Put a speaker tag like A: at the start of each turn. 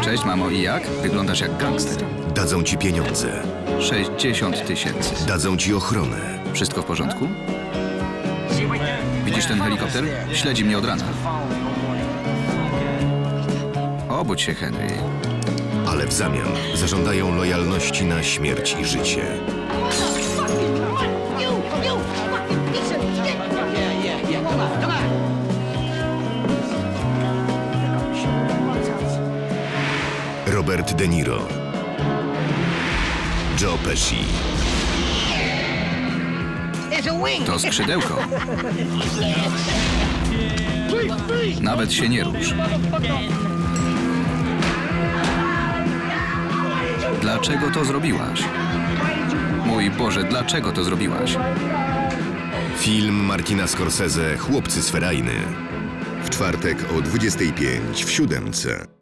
A: Cześć, mamo, i jak? Wyglądasz jak gangster.
B: Dadzą ci pieniądze.
A: 60 000.
B: Dadzą ci ochronę.
A: Wszystko w porządku? Widzisz ten helikopter? Śledzi mnie od rana. Obudź się, Henry.
B: Ale w zamian zażądają lojalności na śmierć i życie. Robert De Niro, Joe Pesci,
A: To skrzydełko. Nawet się nie rusz. Dlaczego to zrobiłaś? Mój Boże, dlaczego to zrobiłaś?
B: film Martina Scorsese Chłopcy z Ferajny. W czwartek o 25 w 7.